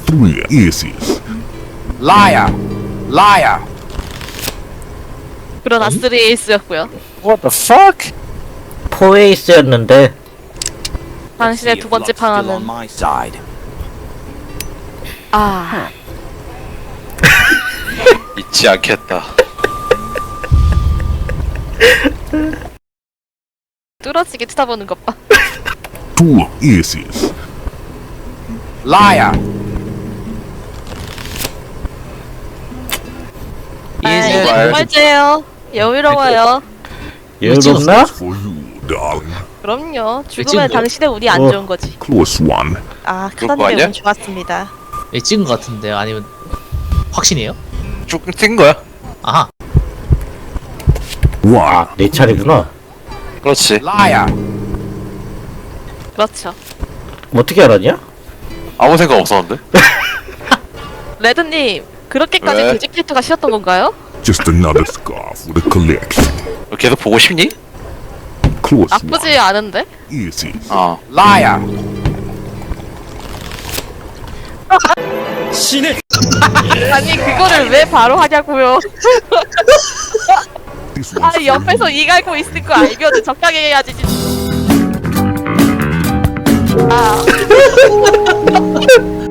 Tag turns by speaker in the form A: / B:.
A: 3 aces.
B: Liar. Liar.
C: 그러나 3에이스였고요.
D: What the fuck?
E: 포에이스였는데
C: 당신의 두 번째 방안은 아
D: 잊지 않겠다.
C: 뚫어지게 쳐다보는 것 봐.
A: 2 aces.
B: Liar.
C: 아, 이제
D: 말.
C: 두 번째예요. 여유로워요.
E: 여유롭나?
A: For you, darling.
C: 그럼요. 죽으면
F: 찍은 거야?
C: 당신의 운이 안
E: 어.
C: 좋은 거지.
A: Close one.
C: 아,
D: 그거
C: 카다님의
D: 아니야?
C: 운 좋았습니다.
F: 예, 찍은 것 같은데요? 아니면 확신이에요?
D: 쭉 뛴 거야.
F: 아하.
A: 1.
E: 내 차례구나.
D: 그렇지.
B: Liar.
C: 그렇죠.
E: 어떻게 알았냐?
D: 아무 생각 없었는데.
C: 레드님, 그렇게까지
D: 왜?
C: 돼지 캐릭터가 싫었던 건가요?
A: Just another scarf with a collection.
D: 계속 보고 싶니?
A: Close
C: 나쁘지
A: one.
C: 않은데?
A: Aces.
D: 어.
B: Liar.
C: 아니, 그거를 왜 바로 하냐고요.
A: This
C: 아,
A: one's for
C: 옆에서
A: you.
C: 이 갈고 있을 거 알면 적당히 해야지. 아.